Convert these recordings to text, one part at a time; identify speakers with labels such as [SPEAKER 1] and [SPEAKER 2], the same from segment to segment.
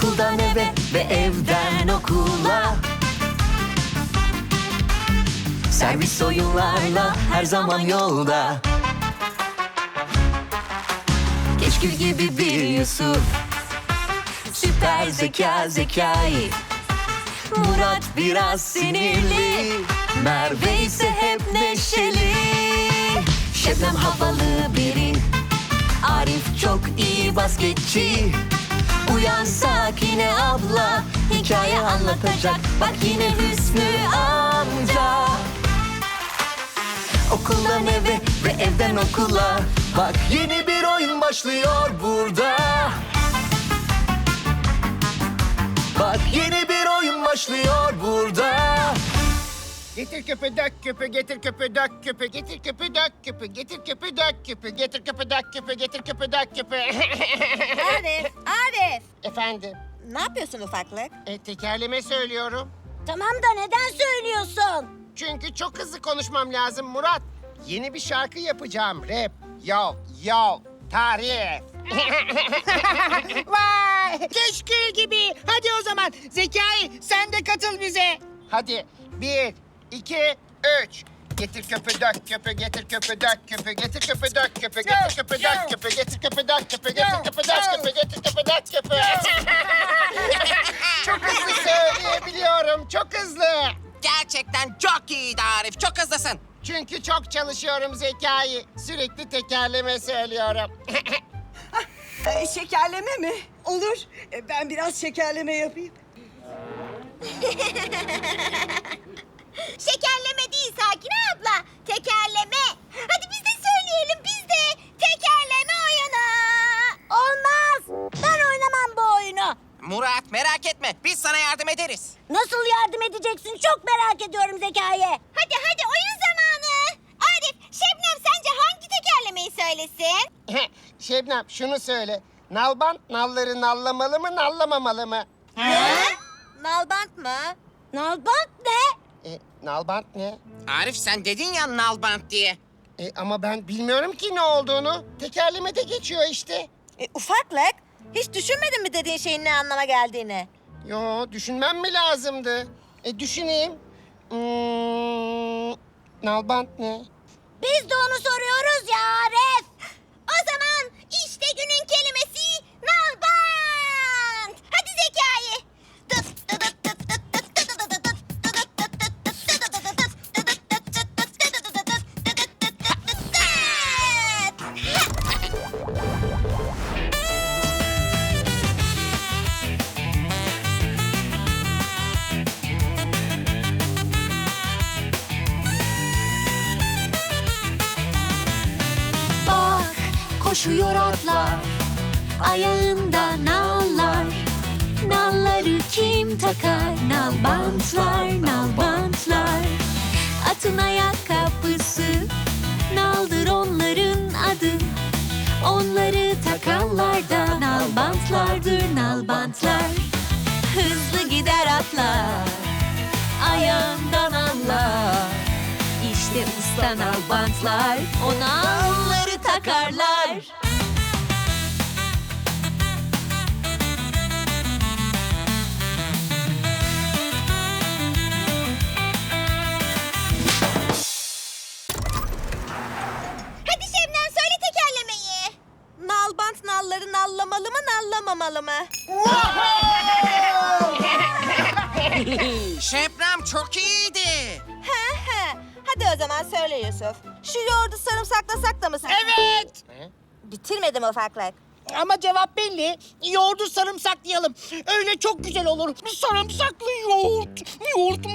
[SPEAKER 1] Okuldan eve ve evden okula. Servis oyunlarla her zaman yolda. Keşkül gibi bir Yusuf, süper zeka Zekai. Murat biraz sinirli, Merve ise hep neşeli. Şebnem havalı biri, Arif çok iyi basketçi. Uyansak yine abla, hikaye anlatacak. Bak yine Hüsnü amca. Okuldan eve ve evden okula. Bak yeni bir oyun başlıyor burada. Bak yeni bir oyun başlıyor burada.
[SPEAKER 2] Getir küpü dök küpü, getir küpü dök küpü, getir küpü dök küpü, getir küpü dök küpü, getir küpü dök küpü, getir küpü dök küpü.
[SPEAKER 3] Arif.
[SPEAKER 2] Efendim,
[SPEAKER 3] Ne yapıyorsun ufaklık?
[SPEAKER 2] tekerleme söylüyorum.
[SPEAKER 3] Tamam da neden söylüyorsun?
[SPEAKER 2] Çünkü çok hızlı konuşmam lazım Murat. Yeni bir şarkı yapacağım, rap. Yo, yo, tarif.
[SPEAKER 4] Vay! Keşkül gibi. Hadi o zaman Zekai sen de katıl bize.
[SPEAKER 2] Hadi, 1, 2, 3. Getir küpü dök küpü, getir küpü dök küpü, getir küpü dök küpü, getir küpü dök küpü, getir küpü dök küpü, getir küpü dök küpü, getir küpü dök küpü. Çok hızlı söyleyebiliyorum, çok hızlı.
[SPEAKER 5] Gerçekten çok iyiydi Arif. Çok hızlısın.
[SPEAKER 2] Çünkü çok çalışıyorum Zekai. Sürekli tekerleme söylüyorum.
[SPEAKER 4] Şekerleme mi? Olur. Ben biraz şekerleme yapayım.
[SPEAKER 3] Şekerleme değil Sakine abla. Tekerleme. Hadi biz de söyleyelim biz de. Tekerleme oyunu. Olmaz. Ben oynamam bu oyunu.
[SPEAKER 5] Murat merak etme. Biz sana yardım ederiz.
[SPEAKER 3] Nasıl yardım edeceksin? Çok merak ediyorum Zekai. Hadi oyun zamanı. Arif, Şebnem sence hangi tekerlemeyi söylesin?
[SPEAKER 2] Şebnem şunu söyle. Nalbant nalları nallamalı mı nallamamalı mı?
[SPEAKER 3] Nalbant mı? Nalbant ne?
[SPEAKER 2] Nalbant ne?
[SPEAKER 5] Arif sen dedin ya nalbant diye.
[SPEAKER 2] Ama ben bilmiyorum ki ne olduğunu. Tekerlemede geçiyor işte.
[SPEAKER 3] Ufaklık, hiç düşünmedin mi dediğin şeyin ne anlama geldiğini?
[SPEAKER 2] Yo, düşünmem mi lazımdı? Düşüneyim. Nalbant ne?
[SPEAKER 3] Biz de onu soruyoruz ya Arif. O zaman işte günün kelimesi nalbant. Hadi Zekai.
[SPEAKER 1] Bak koşuyor atlar, ayağında nallar. Nalları kim takar? Nalbantlar, nalbantlar. Atın ayakkabısı, naldır onların adı. Onları takanlar da nalbantlardır, nalbantlar. Hızlı gider atlar, ayağından anlar. İşte usta nalbantlar, o nalları takarlar.
[SPEAKER 3] Hadi Şebnem söyle tekerlemeyi. Nalbant nalları nallamalı mı nallamamalı mı?
[SPEAKER 5] Şebnem çok iyiydi.
[SPEAKER 3] Hadi o zaman söyle Yusuf. Şu yoğurdu sarımsaklasak da mı sen?
[SPEAKER 4] Evet.
[SPEAKER 3] Bitirmedim ufaklık.
[SPEAKER 4] Ama cevap belli. Yoğurdu sarımsaklayalım. Öyle çok güzel olur. Sarımsaklı yoğurt. Yoğurt.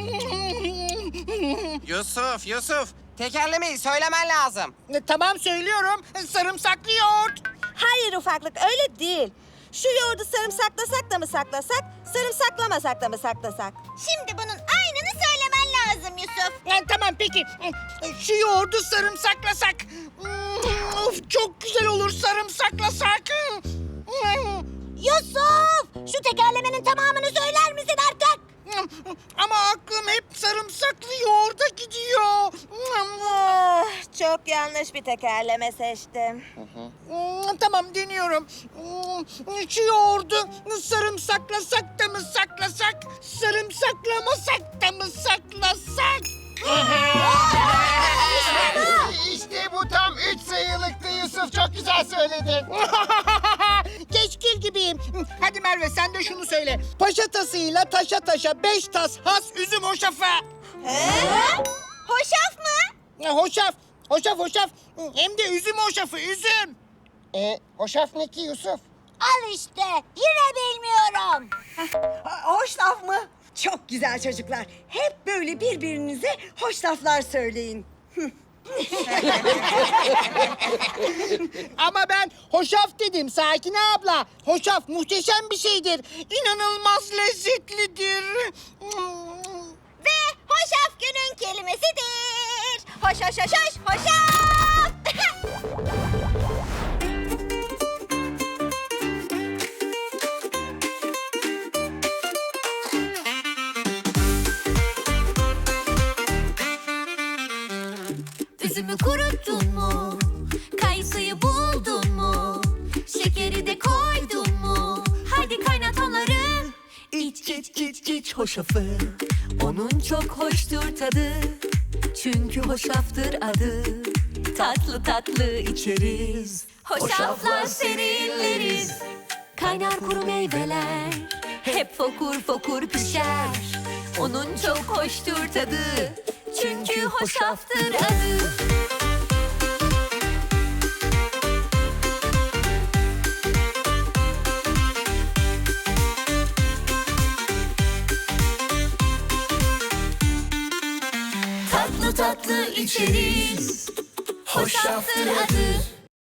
[SPEAKER 5] Yusuf. Tekerlemeyi söylemen lazım.
[SPEAKER 4] Tamam söylüyorum. Sarımsaklı yoğurt.
[SPEAKER 3] Hayır ufaklık öyle değil. Şu yoğurdu sarımsaklasak da mı saklasak, sarımsaklamasak da mı saklasak? Şimdi bunun aynını söylemen lazım Yusuf.
[SPEAKER 4] Tamam peki. Şu yoğurdu sarımsaklasak. Of çok güzel olur sarımsaklasak.
[SPEAKER 3] Yusuf! Şu tekerlemenin tamamını söyler misin artık?
[SPEAKER 4] Ama aklım hep sarımsaklı yoğurda gidiyor.
[SPEAKER 3] Çok yanlış bir tekerleme seçtim.
[SPEAKER 4] Tamam deniyorum. Şu yoğurdu sarımsaklasak da mı saklasak? Sarımsaklamasak da mı saklasak?
[SPEAKER 2] İşte bu tam 3 sayılıktı Yusuf. Çok güzel söyledin.
[SPEAKER 4] Keşkil gibiyim. Hadi Merve sen de şunu söyle. Paşa tasıyla taşa taşa 5 tas has üzüm hoşafı.
[SPEAKER 3] Hoşaf mı?
[SPEAKER 4] Hoşaf. Hoşaf hoşaf. Hem de üzüm hoşafı üzüm.
[SPEAKER 2] Hoşaf ne ki Yusuf?
[SPEAKER 3] Al işte. Yine bilmiyorum.
[SPEAKER 6] Hoş laf mı? Çok güzel çocuklar. Hep böyle birbirinize hoş laflar söyleyin.
[SPEAKER 4] Ama ben hoşaf dedim Sakine abla. Hoşaf muhteşem bir şeydir. İnanılmaz lezzetlidir.
[SPEAKER 3] Ve hoşaf günün kelimesidir. Hoş hoş hoş hoş hoşaf.
[SPEAKER 7] Üzümü kuruttun mu? Kayısıyı buldun mu? Şekeri de koydun mu? Haydi kaynat onları.
[SPEAKER 1] İç iç iç iç hoşafı. Onun çok hoştur tadı. Çünkü hoşaftır adı. Tatlı tatlı içeriz.
[SPEAKER 7] Hoşaflar serinleriz.
[SPEAKER 1] Kaynar kuru meyveler. Hep fokur fokur pişer. Onun çok hoştur tadı. Çünkü hoşaftır adı. Tatlı tatlı içeriz. Hoşaftır adı.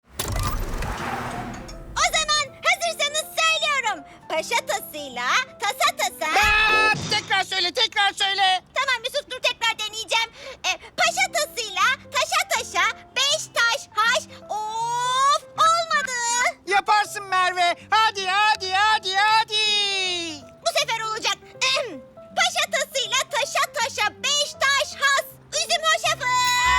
[SPEAKER 3] O zaman hazırsanız söylüyorum. Paşa tasıyla tasa tasa.
[SPEAKER 4] Tekrar söyle tekrar söyle.
[SPEAKER 3] Tamam Yusuf dur tekrar deneyeceğim. Paşa tasıyla taşa taşa 5 taş haş. Of olmadı.
[SPEAKER 4] Yaparsın Merve. Hadi hadi hadi hadi.
[SPEAKER 3] Bu sefer olacak. Paşa tasıyla taşa taşa 5 taş has. Üzüm hoşafı.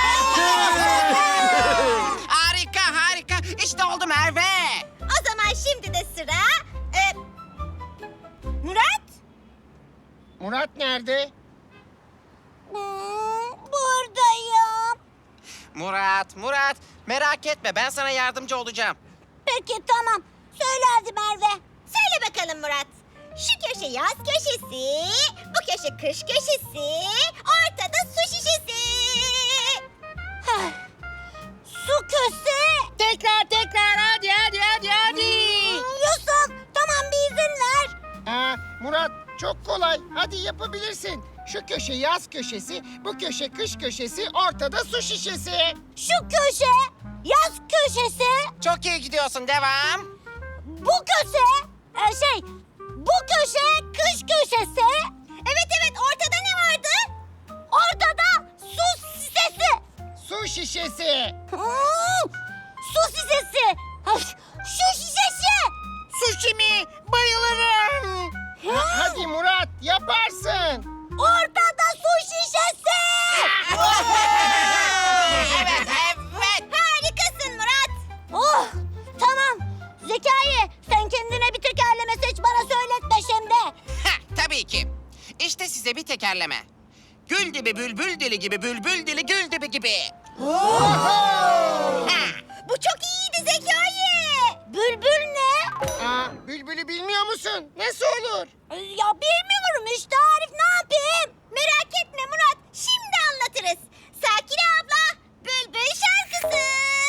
[SPEAKER 5] Harika harika. İşte oldu Merve.
[SPEAKER 3] O zaman şimdi de sıra... Murat?
[SPEAKER 2] Murat nerede?
[SPEAKER 3] Buradayım.
[SPEAKER 5] Murat merak etme ben sana yardımcı olacağım.
[SPEAKER 3] Peki tamam. Söyle hadi Merve. Söyle bakalım Murat. Şu köşe yaz köşesi, bu köşe kış köşesi, ortada su şişesi. Su köşesi.
[SPEAKER 4] Tekrar hadi hadi hadi hadi.
[SPEAKER 3] Yusuf tamam bir izin ver.
[SPEAKER 2] Murat çok kolay. Hadi yapabilirsin. Şu köşe yaz köşesi, bu köşe kış köşesi, ortada su şişesi.
[SPEAKER 3] Şu köşe yaz köşesi,
[SPEAKER 5] Çok iyi gidiyorsun devam.
[SPEAKER 3] bu köşe bu köşe kış köşesi. Evet ortada ne vardı? Ortada su şişesi.
[SPEAKER 2] Su şişesi.
[SPEAKER 3] Su şişesi. Şu şişesi.
[SPEAKER 4] Sushi mi? Bayılırım.
[SPEAKER 2] Hadi Murat yaparsın.
[SPEAKER 3] Ortada su şişesi.
[SPEAKER 5] Evet.
[SPEAKER 3] Harikasın Murat. Oh tamam. Zekai sen kendine bir tekerleme seç bana söyletme şimdi.
[SPEAKER 5] Tabii ki. İşte size bir tekerleme. Gül dibi bülbül dili gibi bülbül dili gül dibi gibi.
[SPEAKER 3] Bu çok iyiydi Zekai. Bülbül ne?
[SPEAKER 2] Bülbül'ü bilmiyor musun? Nasıl olur?
[SPEAKER 3] Ya bilmiyorum işte Arif ne yapayım? Merak etme Murat şimdi anlatırız. Sakine abla Bülbül şarkısı.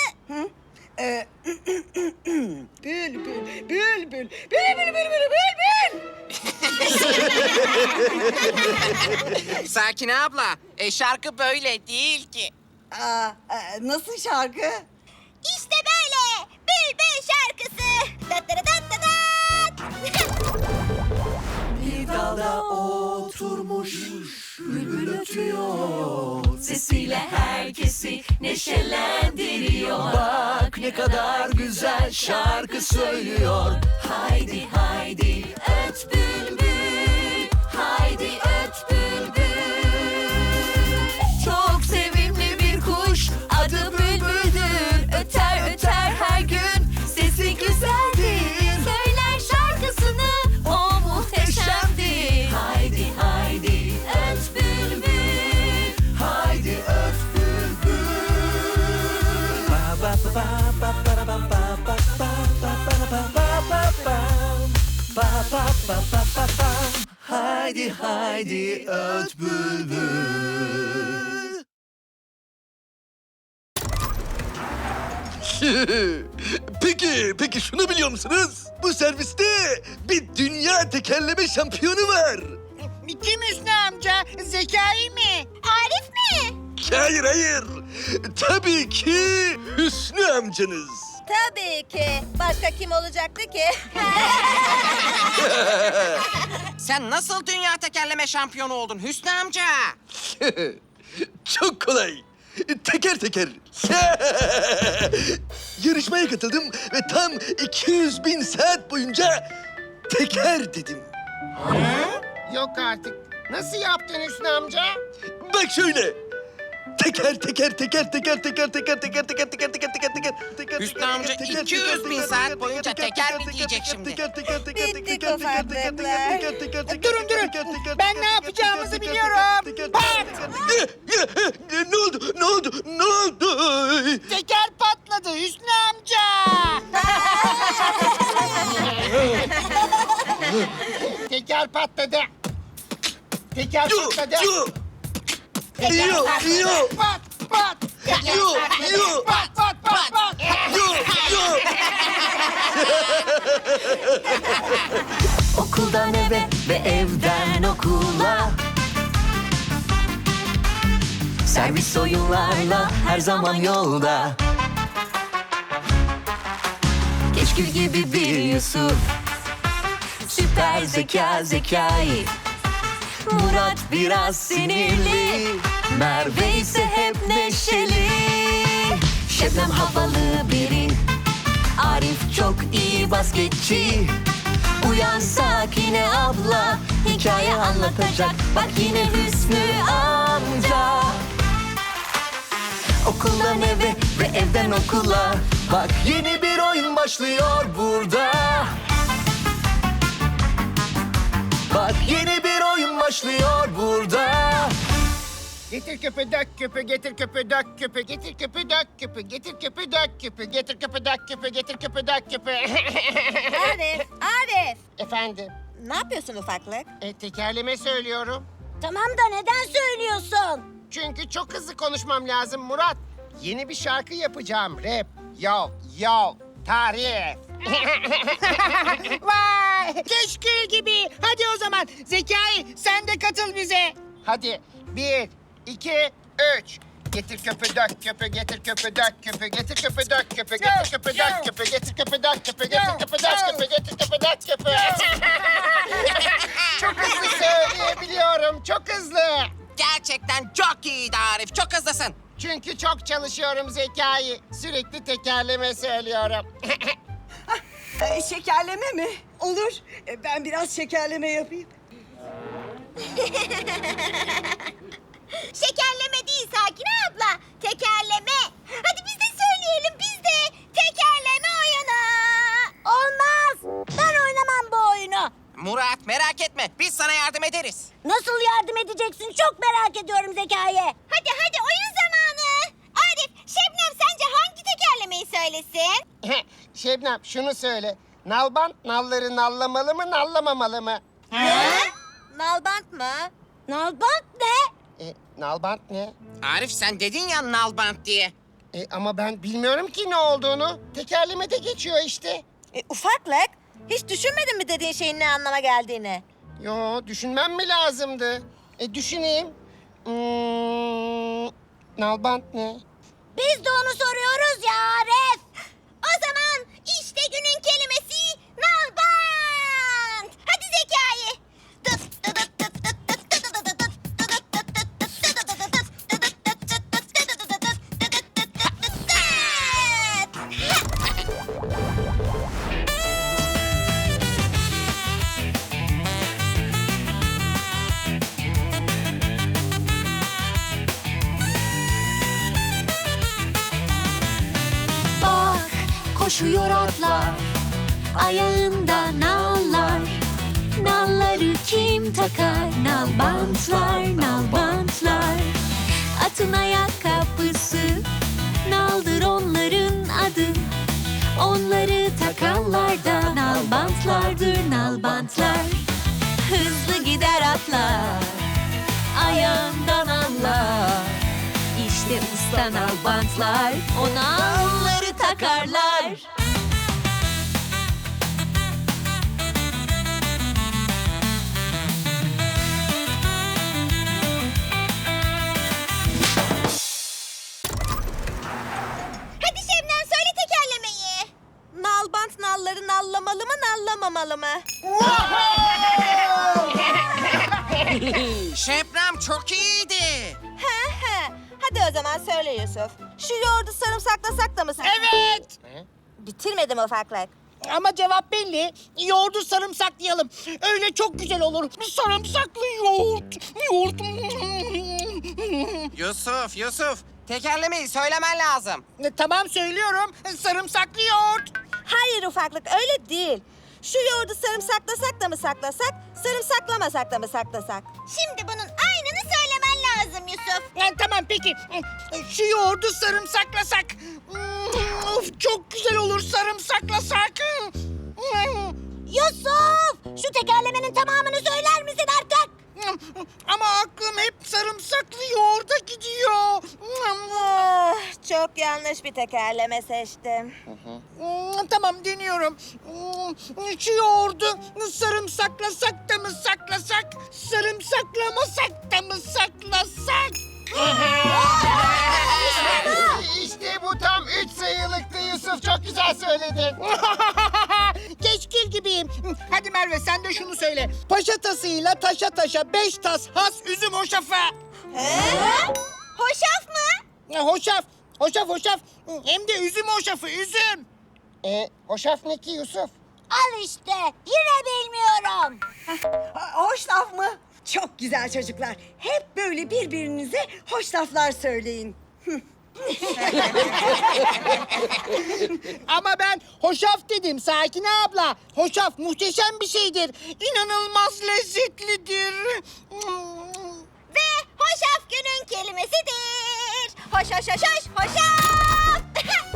[SPEAKER 6] Bülbül, bülbül, bülbül, bülbül, bülbül.
[SPEAKER 5] Sakine abla, şarkı böyle değil ki.
[SPEAKER 6] Nasıl şarkı?
[SPEAKER 3] İşte böyle Bülbül şarkısı.
[SPEAKER 1] Bir dalda oturmuş bülbül ötüyor. Sesiyle herkesi neşelendiriyor. Bak ne kadar güzel şarkı söylüyor. Haydi haydi öt bülbül. Haydi öt bülbül. Çok sevimli bir kuş adı bülbül. pa pa pa pa pa. Haydi haydi öt bülbül.
[SPEAKER 8] Peki şunu biliyor musunuz? Bu serviste bir dünya tekerleme şampiyonu var.
[SPEAKER 4] Kim Hüsnü amca? Zekai mi?
[SPEAKER 3] Arif mi?
[SPEAKER 8] Hayır. Tabii ki Hüsnü amcanız.
[SPEAKER 3] Tabii ki. Başka kim olacaktı ki?
[SPEAKER 5] Sen nasıl dünya tekerleme şampiyonu oldun Hüsnü amca?
[SPEAKER 8] Çok kolay. Teker teker. Yarışmaya katıldım ve tam 200.000 saat boyunca teker dedim.
[SPEAKER 2] Yok artık. Nasıl yaptın Hüsnü amca?
[SPEAKER 8] Bak şöyle. Teker.
[SPEAKER 5] Hüsnü amca 200.000 saat boyunca teker mi diyecek şimdi?
[SPEAKER 6] Bittik ufaklıklar.
[SPEAKER 4] Durun. Ben ne yapacağımızı biliyorum. Pat!
[SPEAKER 8] Ne oldu?
[SPEAKER 4] Teker patladı Hüsnü amca.
[SPEAKER 2] Teker patladı. Teker patladı.
[SPEAKER 8] Yo.
[SPEAKER 4] Pat pat.
[SPEAKER 8] Yo.
[SPEAKER 4] Pat.
[SPEAKER 1] Okuldan eve ve evden okula. Servis oyunlarla her zaman yolda. Keşkül gibi bir Yusuf, süper Zekai. Murat biraz sinirli, Merve ise hep neşeli. Şebnem havalı biri, Arif çok iyi basketçi. Uyansak yine abla, hikaye anlatacak. Bak yine Hüsnü amca. Okuldan eve ve evden okula. Bak yeni bir oyun başlıyor burada. Bak yeni bir oyun başlıyor burada.
[SPEAKER 2] Getir küpü dök küpü, getir küpü dök küpü, getir küpü dök küpü, getir küpü dök küpü, getir küpü dök küpü, getir küpü dök küpü.
[SPEAKER 3] Arif.
[SPEAKER 2] Efendim,
[SPEAKER 3] Ne yapıyorsun ufaklık?
[SPEAKER 2] tekerleme söylüyorum.
[SPEAKER 3] Tamam da neden söylüyorsun?
[SPEAKER 2] Çünkü çok hızlı konuşmam lazım Murat. Yeni bir şarkı yapacağım, rap. Yo, tarif.
[SPEAKER 4] Vay! Keşkül gibi. Hadi o zaman Zekai sen de katıl bize.
[SPEAKER 2] Hadi, 1, 2, 3. Getir küpü dök küpü, getir küpü dök küpü, getir küpü dök küpü, getir küpü dök küpü, getir küpü dök küpü, getir küpü dök küpü, getir küpü dök küpü. Çok hızlı söyleyebiliyorum, çok hızlı.
[SPEAKER 5] Gerçekten çok iyiydi Arif, çok hızlısın.
[SPEAKER 2] Çünkü çok çalışıyorum Zekai. Sürekli tekerleme söylüyorum.
[SPEAKER 6] Şekerleme mi? Olur. Ben biraz şekerleme yapayım.
[SPEAKER 3] Şekerleme değil Sakine abla. Tekerleme. Hadi biz de söyleyelim biz de. Tekerleme oyunu. Olmaz. Ben oynamam bu oyunu.
[SPEAKER 5] Murat merak etme, biz sana yardım ederiz.
[SPEAKER 3] Nasıl yardım edeceksin? Çok merak ediyorum Zekai. Hadi oyun zamanı. Arif, Şebnem sence hangi tekerlemeyi söylesin?
[SPEAKER 2] Şebnem şunu söyle. Nalbant nalları nallamalı mı nallamamalı mı?
[SPEAKER 3] Nalbant mı? Nalbant ne?
[SPEAKER 2] Nalbant ne?
[SPEAKER 5] Arif sen dedin ya nalbant diye.
[SPEAKER 2] Ama ben bilmiyorum ki ne olduğunu. Tekerlemede geçiyor işte.
[SPEAKER 3] Ufaklık. Hiç düşünmedin mi dediğin şeyin ne anlama geldiğini?
[SPEAKER 2] Yo, düşünmem mi lazımdı? Düşüneyim. Nalbant ne?
[SPEAKER 3] Biz de onu soruyoruz ya Arif. O zaman işte günün kelimesi nalbant. Hadi Zekai.
[SPEAKER 7] Bak koşuyor atlar, ayağında nallar. Nalları kim takar? Nalbantlar. Atın ayakkabısı, naldır onların adı. Onları takanlar da nalbantlardır nalbantlar.
[SPEAKER 1] Hızlı gider atlar, ayağından anlar. İşte usta nalbantlar, ona onları takarlar.
[SPEAKER 3] Hadi Şebnem söyle tekerlemeyi.
[SPEAKER 1] Nalbant nalları nallamalı mı nallamamalı mı?
[SPEAKER 5] Şebnem çok iyiydi.
[SPEAKER 1] Hadi o zaman söyle Yusuf. Şu yoğurdu sarımsaklasak da mı sen?
[SPEAKER 4] Evet.
[SPEAKER 1] Bitirmedim ufaklık.
[SPEAKER 4] Ama cevap belli. Yoğurdu sarımsaklayalım. Öyle çok güzel olur. Sarımsaklı yoğurt. Yoğurt.
[SPEAKER 5] Yusuf. Tekerlemeyi söylemen lazım.
[SPEAKER 4] Tamam söylüyorum. Sarımsaklı yoğurt.
[SPEAKER 1] Hayır ufaklık öyle değil. Şu yoğurdu sarımsaklasak da mı saklasak, sarımsaklamasak da mı saklasak?
[SPEAKER 3] Şimdi bunun aynını söylemen lazım Yusuf.
[SPEAKER 4] Tamam peki. Şu yoğurdu sarımsaklasak. Of çok güzel olur sarımsaklasak.
[SPEAKER 3] Yusuf! Şu tekerlemenin tamamını söyler misin artık?
[SPEAKER 4] Ama aklım hep sarımsaklı yoğurda gidiyor.
[SPEAKER 1] Çok yanlış bir tekerleme seçtim.
[SPEAKER 4] Tamam deniyorum. Şu yoğurdu sarımsaklasak da mı saklasak, sarımsaklamasak da mı saklasak?
[SPEAKER 2] İşte bu tam 3 sayılıktı Yusuf. Çok güzel söyledin.
[SPEAKER 4] Keşkil gibiyim. Hadi Merve sen de şunu söyle. Paşa tasıyla taşa taşa 5 tas has üzüm hoşafı.
[SPEAKER 3] Hoşaf mı?
[SPEAKER 4] Hoşaf. Hoşaf. Hem de üzüm hoşafı, üzüm.
[SPEAKER 2] Hoşaf ne ki Yusuf?
[SPEAKER 3] Al işte. Yine bilmiyorum.
[SPEAKER 6] Hoş laf mı? Çok güzel çocuklar. Hep böyle birbirinize hoş laflar söyleyin.
[SPEAKER 4] Ama ben hoşaf dedim Sakine abla. Hoşaf muhteşem bir şeydir. İnanılmaz lezzetlidir.
[SPEAKER 3] Ve hoşaf günün kelimesidir. Hoşaf.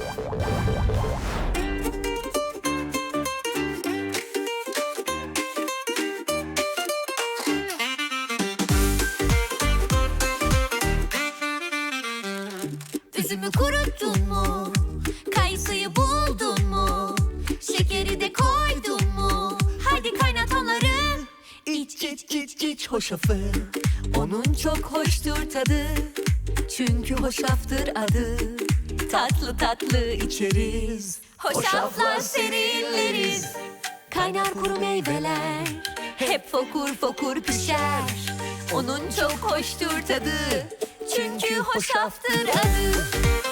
[SPEAKER 7] Üzümü kuruttun mu? Kayısıyı buldun mu? Şekeri de koydun mu? Hadi kaynat onları.
[SPEAKER 1] İç hoşafı, onun çok hoştur tadı. Çünkü hoşaftır adı. Tatlı tatlı içeriz,
[SPEAKER 7] Hoşaflar serinleriz.
[SPEAKER 1] Kaynar kuru meyveler, hep fokur fokur pişer. Onun çok hoştur tadı. Çünkü hoşaftır adı.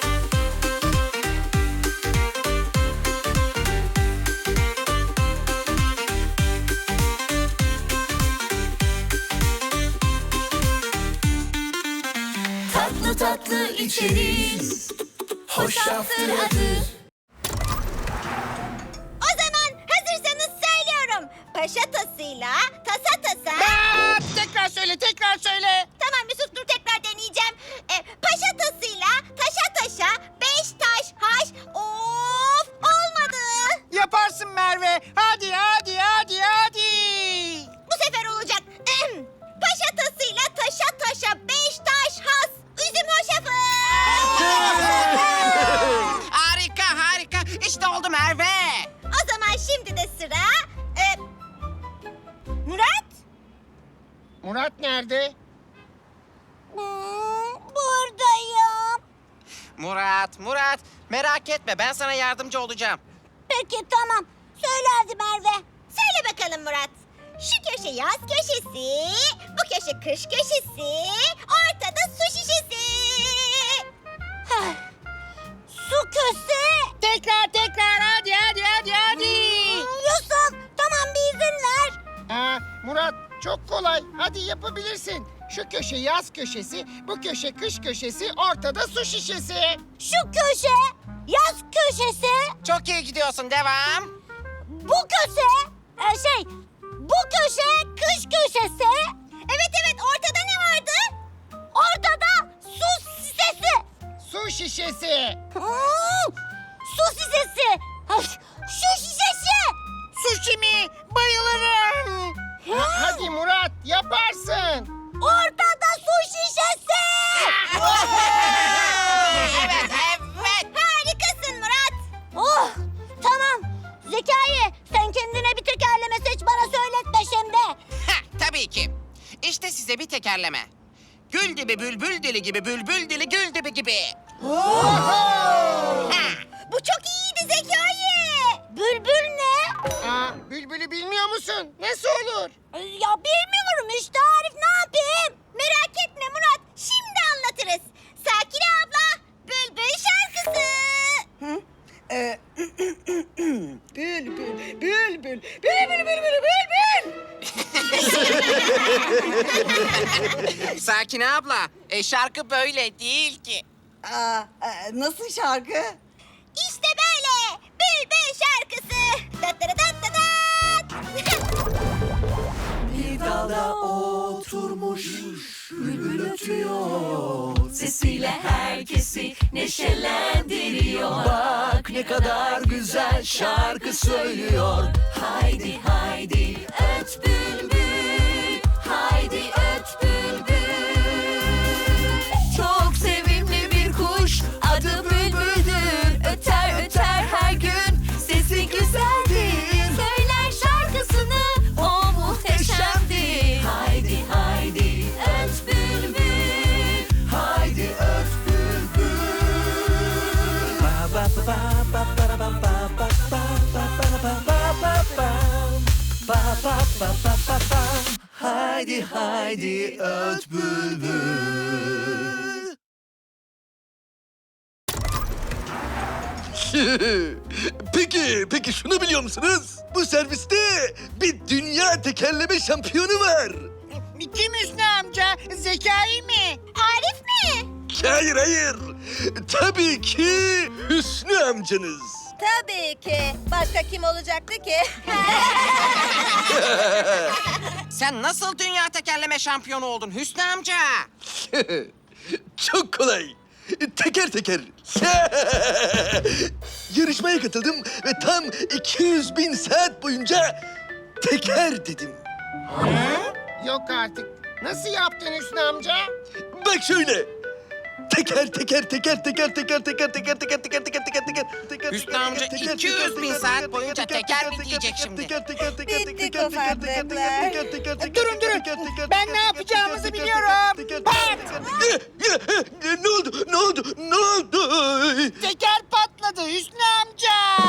[SPEAKER 1] Tatlı tatlı içeriz, hoşaftır adı.
[SPEAKER 3] O zaman hazırsanız söylüyorum. Paşa tasıyla tasa tasa.
[SPEAKER 4] Tekrar söyle.
[SPEAKER 3] Tamam Yusuf dur tekrar deneyeceğim. Paşa tasıyla taşa taşa 5 taş haş. Of olmadı.
[SPEAKER 4] Yaparsın Merve. Hadi.
[SPEAKER 3] Bu sefer olacak. Paşa tasıyla taşa taşa 5 taş has. Üzüm hoşafı.
[SPEAKER 5] Harika. İşte oldu Merve.
[SPEAKER 3] O zaman şimdi de sıra Murat.
[SPEAKER 2] Murat nerede?
[SPEAKER 3] Buradayım.
[SPEAKER 5] Murat. Merak etme ben sana yardımcı olacağım.
[SPEAKER 3] Peki tamam. Söyle hadi Merve. Söyle bakalım Murat. Şu köşe yaz köşesi, bu köşe kış köşesi, ortada su şişesi. Su köşesi.
[SPEAKER 4] Tekrar hadi.
[SPEAKER 3] Yusuf tamam bir izin ver.
[SPEAKER 2] Murat çok kolay. Hadi yapabilirsin. Şu köşe yaz köşesi, bu köşe kış köşesi, ortada su şişesi.
[SPEAKER 3] Şu köşe yaz köşesi,
[SPEAKER 5] Çok iyi gidiyorsun devam.
[SPEAKER 3] bu köşe bu köşe kış köşesi. Evet ortada ne vardı? Ortada su şişesi.
[SPEAKER 2] Su şişesi.
[SPEAKER 3] Su şişesi.
[SPEAKER 2] yaparsın.
[SPEAKER 3] Ortada su şişesi.
[SPEAKER 5] Evet, evet.
[SPEAKER 3] Harikasın Murat. Oh, tamam. Zekai, sen kendine bir tekerleme seç, bana söyletme şimdi.
[SPEAKER 5] Ha, tabii ki. İşte size bir tekerleme. Gül dibi bülbül dili gibi bülbül dili gül dibi gibi.
[SPEAKER 3] Bu çok iyiydi Zekai. Bülbül ne?
[SPEAKER 2] Aa, bülbülü bilmiyor musun? Nasıl olur?
[SPEAKER 3] Ya bilmiyorum işte Arif, ne yapayım? Merak etme Murat, şimdi anlatırız. Sakine abla, Bülbül şarkısı.
[SPEAKER 6] Bülbül, bülbül, bülbül, bülbül, bülbül.
[SPEAKER 5] Sakine abla, şarkı böyle değil ki.
[SPEAKER 6] Nasıl şarkı?
[SPEAKER 3] İşte böyle Bülbül şarkısı.
[SPEAKER 1] Bir dalda oturmuş bülbül ötüyor, sesiyle herkesi neşelendiriyor. Bak ne kadar güzel şarkı söylüyor. Haydi haydi öt bülbül, haydi öt bülbül. Çok sevimli bir kuş, adı bülbüldür. Öter öter her gün, sesi güzeldir. Söyler şarkısını, o muhteşemdir. Haydi haydi öt bülbül, haydi öt bülbül. Ba ba ba ba ba ba ba ba ba ba ba ba ba. Ba ba ba ba ba ba. Haydi haydi öt bülbül.
[SPEAKER 8] Peki şunu biliyor musunuz? Bu serviste bir dünya tekerleme şampiyonu var.
[SPEAKER 4] Kim Hüsnü amca? Zekai mi?
[SPEAKER 3] Arif mi?
[SPEAKER 8] Hayır. Tabii ki Hüsnü amcanız.
[SPEAKER 3] Tabii ki. Başka kim olacaktı ki?
[SPEAKER 5] Sen nasıl dünya tekerleme şampiyonu oldun Hüsnü amca?
[SPEAKER 8] Çok kolay. Teker teker. Yarışmaya katıldım ve tam 200.000 saat boyunca teker dedim.
[SPEAKER 2] Yok artık. Nasıl yaptın Hüsnü amca?
[SPEAKER 8] Bak şöyle. Teker.
[SPEAKER 5] Hüsnü amca 200.000 saat boyunca teker mi diyecek şimdi?
[SPEAKER 6] Bittik ufaklıklar.
[SPEAKER 4] Durun. Ben ne yapacağımızı biliyorum. Pat!
[SPEAKER 8] Ne oldu?
[SPEAKER 4] Teker patladı Hüsnü amca.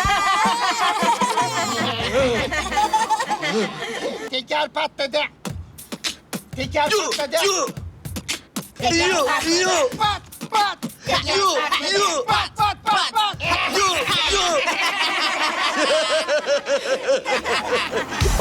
[SPEAKER 2] Teker patladı. Teker patladı.
[SPEAKER 4] Pat pat. Pat pat pat.